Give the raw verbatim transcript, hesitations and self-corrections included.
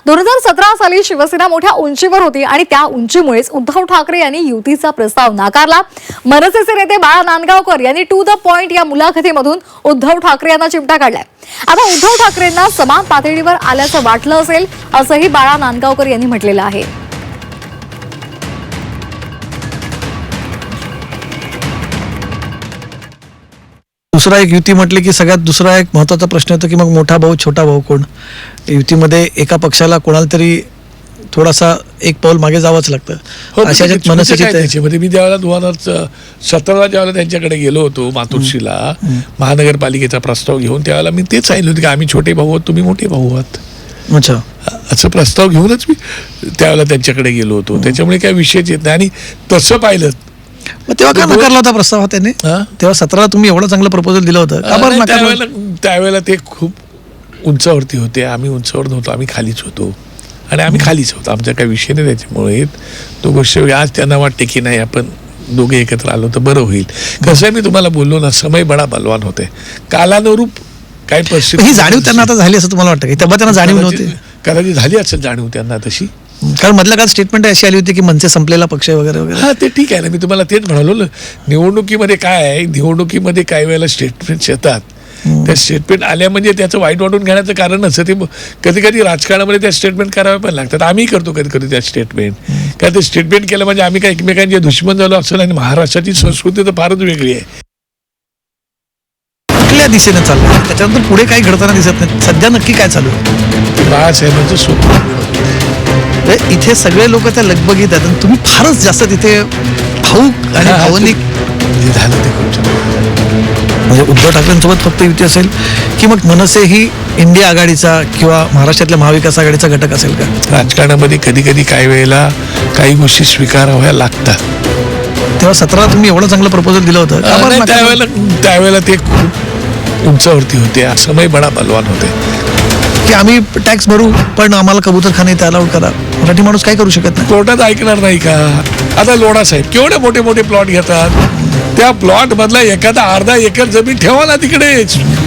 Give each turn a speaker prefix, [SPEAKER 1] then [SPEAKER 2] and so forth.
[SPEAKER 1] दोन हजार सतरा साली शिवसेना मोठ्या उंचीवर होती आणि त्या उंचीमुळेच उद्धव ठाकरे यांनी युतीचा प्रस्ताव नाकारला। मनसेचे नेते बाळा नांदगावकर यांनी टू द पॉइंट या मुलाखतीमधून उद्धव ठाकरे यांना चिमटा काढलाय। आता उद्धव ठाकरेंना समान पातळीवर आल्याचं वाटलं असेल असंही बाळा नांदगावकर यांनी म्हटलेलं आहे।
[SPEAKER 2] दुसरा एक युती म्हटली की सगळ्यात दुसरा एक महत्त्वाचा प्रश्न येतो की मग मोठा भाऊ छोटा भाऊ कोण। युतीमध्ये एका पक्षाला कोणाला तरी थोडासा एक पाऊल मागे जावंच लागतं। अशा ज्यात मनसेची
[SPEAKER 3] त्याच्यामध्ये मी त्यावेळेला दोन हजार सतराला ज्यावेळेला त्यांच्याकडे गेलो होतो मातोश्रीला महानगरपालिकेचा प्रस्ताव घेऊन, त्यावेळेला मी तेच सांगितलं होतं की आम्ही छोटे भाऊ आहोत, तुम्ही मोठे भाऊ आहात।
[SPEAKER 2] अच्छा,
[SPEAKER 3] असं प्रस्ताव घेऊनच मी त्यावेळेला त्यांच्याकडे गेलो होतो। त्याच्यामुळे काही विषयच येत नाही। आणि तसं पाहिलं
[SPEAKER 2] तेव्हा का नकारला होता प्रस्ताव त्याने? तेव्हा सतराला तुम्ही एवढं चांगलं प्रपोजल दिलं होतं का बरं नकारलं?
[SPEAKER 3] त्यावेळेला त्यावेळेला ते खूप उंचावरती होते, आम्ही उंचावर नव्हतो, आम्ही खालीच होतो आणि आम्ही खालीच होतो, आमचा काही विषय नाही। त्याच्यामुळे तो गोष्ट आज त्यांना वाटते की नाही आपण दोघे एकत्र आलो तर बरं होईल। कसं आहे, मी तुम्हाला बोललो ना, समय बडा बलवान होते, कालानुरूप काही परिस्थिती
[SPEAKER 2] ही जाणीव त्यांना आता झाली असं तुम्हाला वाटतं की तेव्हा त्यांना जाणीव नव्हती?
[SPEAKER 3] कदाचित झाली असेल जाणीव त्यांना तशी,
[SPEAKER 2] कारण मधल्या काळात स्टेटमेंट अशी आली होती की मनसे संपलेला पक्ष वगैरे वगैरे।
[SPEAKER 3] हा, ते ठीक आहे ना, मी तुम्हाला तेच म्हणालो ना, निवडणुकीमध्ये काय आहे, निवडणुकीमध्ये काही वेळेला स्टेटमेंट्स येतात, त्या स्टेटमेंट आल्या म्हणजे त्याचं वाईट वाटून घेण्याचं कारण असं ते कधी कधी राजकारणामध्ये त्या स्टेटमेंट कराव्या पण लागतात। आम्ही करतो कधी कधी त्या स्टेटमेंट, काय ते स्टेटमेंट केलं म्हणजे आम्ही काय एकमेकांचे दुश्मन झालो असं नाही। महाराष्ट्राची संस्कृती तर फारच वेगळी आहे।
[SPEAKER 2] कुठल्या दिशेने चाललं त्याच्यानंतर पुढे काही घडताना दिसत नाही, सध्या नक्की काय चालू आहे?
[SPEAKER 3] बाळासाहेबांचं स्वप्न
[SPEAKER 2] इथे सगळे लोक त्या लगबगीत आहेत आणि तुम्ही फारच जास्त तिथे भाऊक आणि भावनिक
[SPEAKER 3] झालं ते खूप
[SPEAKER 2] म्हणजे उद्धव ठाकरेंसोबत फक्त युती असेल की मग मनसे ही इंडिया आघाडीचा किंवा महाराष्ट्रातल्या महाविकास आघाडीचा घटक असेल का?
[SPEAKER 3] राजकारणामध्ये कधी कधी काही वेळेला काही गोष्टी स्वीकाराव्या लागतात।
[SPEAKER 2] तेव्हा सतराला तुम्ही एवढं चांगलं प्रपोजल दिलं होतं का बरं?
[SPEAKER 3] त्यावेळेला त्यावेळेला ते खूप उंचावरती होते, समय बडा बलवान होते
[SPEAKER 2] की आम्ही टॅक्स भरू पण आम्हाला कबूतरखाने इथे अलाउड करा। मराठी माणूस काय करू शकत नाही,
[SPEAKER 3] कोर्टात ऐकणार नाही का? आता लोढा साहेब केवढे मोठे मोठे प्लॉट घेतात, त्या प्लॉट मधला एखादा अर्धा एकर जमीन ठेवा ना तिकडे,